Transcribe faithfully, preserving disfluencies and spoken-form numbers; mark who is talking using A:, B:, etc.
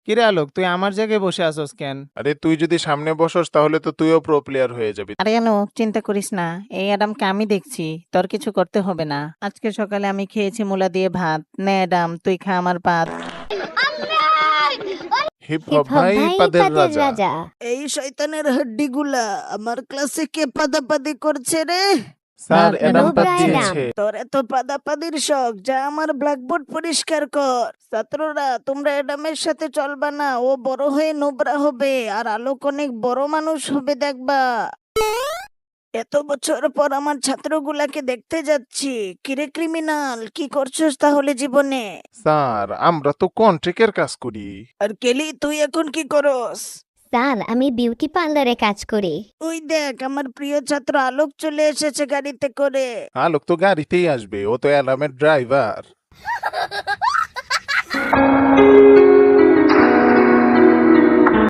A: কিরে আলোক, তুই আমার জায়গায় বসে আছোস কেন?
B: আরে তুই যদি সামনে বসস তাহলে তো তুইও প্রো প্লেয়ার হয়ে যাবি।
C: আরে আলোক, চিন্তা করিস না, এই অ্যাডামকে আমি দেখছি, তোর কিছু করতে হবে না। আজকে সকালে আমি খেয়েছি মূলা দিয়ে ভাত। নে অ্যাডাম, তুই খা আমার পাত।
B: হিপ
D: হিপ
B: হপ
D: হপ
B: ভাই
D: ভাই
B: পাদের
D: পাদের
B: রাজা।
D: রাজা।
C: এই শয়তানের হাড্ডিগুলা আমার ক্লাসে কে পাদাপাদি করছে রে?
B: স্যার অ্যাডাম
D: নোবরা
B: পাদ
D: অ্যাডাম।
B: দিয়েছে।
C: তোর এত পাদাপাদির শখ, যা আমার ব্ল্যাকবোর্ড পরিষ্কার কর। ছাত্ররা, তোমরা অ্যাডামের সাথে চলবা না, ও বড় হয়ে নোবরা হবে আর আলোক অনেক বড় মানুষ হবে দেখবা। এত বছর পর আমার ছাত্রগুলাকে দেখতে যাচ্ছি। কিরে ক্রিমিনাল, কি করছস তাহলে জীবনে?
B: স্যার আমরা তো কন্ট্রিক্টের কাজ করি।
C: আর কেলি, তুই এখন কি করস?
D: স্যার আমি বিউটি পার্লারে কাজ করি।
C: ওই দেখ, আমার প্রিয় ছাত্র আলোক চলে এসেছে গাড়িতে করে।
B: আলোক তো গাড়িতেই আসবে, ও তো অ্যাডামের ড্রাইভার।